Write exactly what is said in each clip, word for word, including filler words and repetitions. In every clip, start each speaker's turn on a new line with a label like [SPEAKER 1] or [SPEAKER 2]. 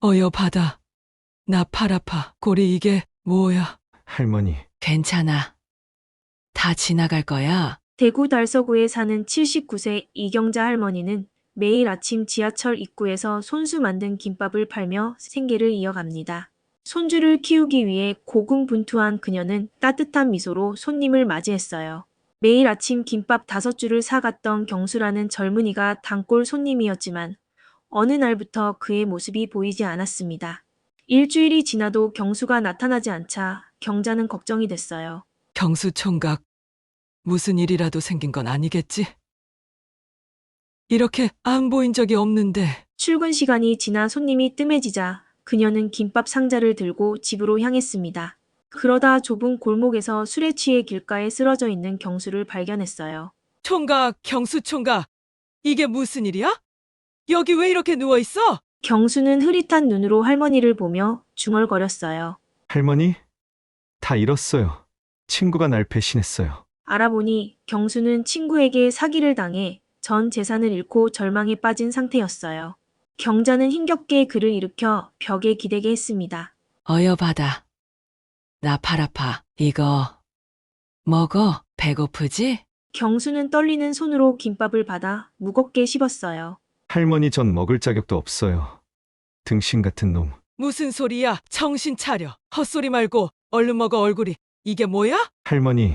[SPEAKER 1] 어여 받아. 나 팔 아파. 골이 이게 뭐야?
[SPEAKER 2] 할머니,
[SPEAKER 1] 괜찮아. 다 지나갈 거야.
[SPEAKER 3] 대구 달서구에 사는 칠십구 세 이경자 할머니는 매일 아침 지하철 입구에서 손수 만든 김밥을 팔며 생계를 이어갑니다. 손주를 키우기 위해 고군분투한 그녀는 따뜻한 미소로 손님을 맞이했어요. 매일 아침 김밥 다섯 줄을 사갔던 경수라는 젊은이가 단골 손님이었지만 어느 날부터 그의 모습이 보이지 않았습니다. 일주일이 지나도 경수가 나타나지 않자 경자는 걱정이 됐어요.
[SPEAKER 1] 경수 총각, 무슨 일이라도 생긴 건 아니겠지? 이렇게 안 보인 적이 없는데.
[SPEAKER 3] 출근 시간이 지나 손님이 뜸해지자 그녀는 김밥 상자를 들고 집으로 향했습니다. 그러다 좁은 골목에서 술에 취해 길가에 쓰러져 있는 경수를 발견했어요.
[SPEAKER 1] 총각, 경수 총각, 이게 무슨 일이야? 여기 왜 이렇게 누워 있어?
[SPEAKER 3] 경수는 흐릿한 눈으로 할머니를 보며 중얼거렸어요.
[SPEAKER 2] 할머니? 다 잃었어요. 친구가 날 배신했어요.
[SPEAKER 3] 알아보니 경수는 친구에게 사기를 당해 전 재산을 잃고 절망에 빠진 상태였어요. 경자는 힘겹게 그를 일으켜 벽에 기대게 했습니다.
[SPEAKER 1] 어여 받아. 나 팔 아파. 이거 먹어. 배고프지?
[SPEAKER 3] 경수는 떨리는 손으로 김밥을 받아 무겁게 씹었어요.
[SPEAKER 2] 할머니 전 먹을 자격도 없어요. 등신 같은 놈.
[SPEAKER 1] 무슨 소리야? 정신 차려. 헛소리 말고 얼른 먹어. 얼굴이 이게 뭐야?
[SPEAKER 2] 할머니,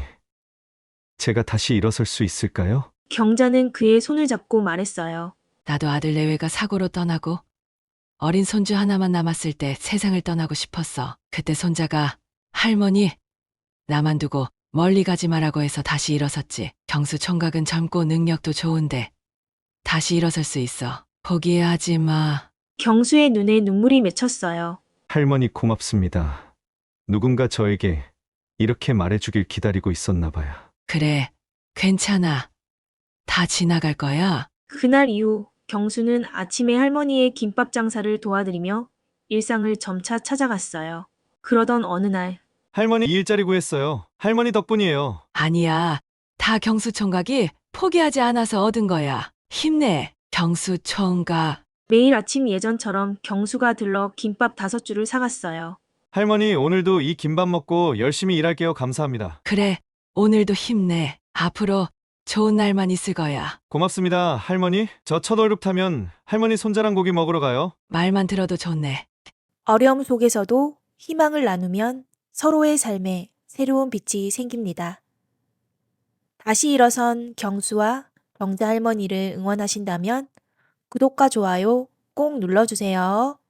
[SPEAKER 2] 제가 다시 일어설 수 있을까요?
[SPEAKER 3] 경자는 그의 손을 잡고 말했어요.
[SPEAKER 1] 나도 아들 내외가 사고로 떠나고 어린 손주 하나만 남았을 때 세상을 떠나고 싶었어. 그때 손자가 할머니, 나만 두고 멀리 가지 마라고 해서 다시 일어섰지. 경수 총각은 젊고 능력도 좋은데 다시 일어설 수 있어. 포기하지 마.
[SPEAKER 3] 경수의 눈에 눈물이 맺혔어요.
[SPEAKER 2] 할머니 고맙습니다. 누군가 저에게 이렇게 말해주길 기다리고 있었나 봐요.
[SPEAKER 1] 그래, 괜찮아. 다 지나갈 거야.
[SPEAKER 3] 그날 이후 경수는 아침에 할머니의 김밥 장사를 도와드리며 일상을 점차 찾아갔어요. 그러던 어느 날
[SPEAKER 2] 할머니 일자리 구했어요. 할머니 덕분이에요.
[SPEAKER 1] 아니야. 다 경수 총각이 포기하지 않아서 얻은 거야. 힘내, 경수 총각.
[SPEAKER 3] 매일 아침 예전처럼 경수가 들러 김밥 다섯 줄을 사갔어요.
[SPEAKER 2] 할머니 오늘도 이 김밥 먹고 열심히 일할게요. 감사합니다.
[SPEAKER 1] 그래, 오늘도 힘내. 앞으로 좋은 날만 있을 거야.
[SPEAKER 2] 고맙습니다. 할머니, 저 첫 월급 타면 할머니 손자랑 고기 먹으러 가요.
[SPEAKER 1] 말만 들어도 좋네.
[SPEAKER 4] 어려움 속에서도 희망을 나누면 서로의 삶에 새로운 빛이 생깁니다. 다시 일어선 경수와 경자 할머니를 응원하신다면 구독과 좋아요 꼭 눌러주세요.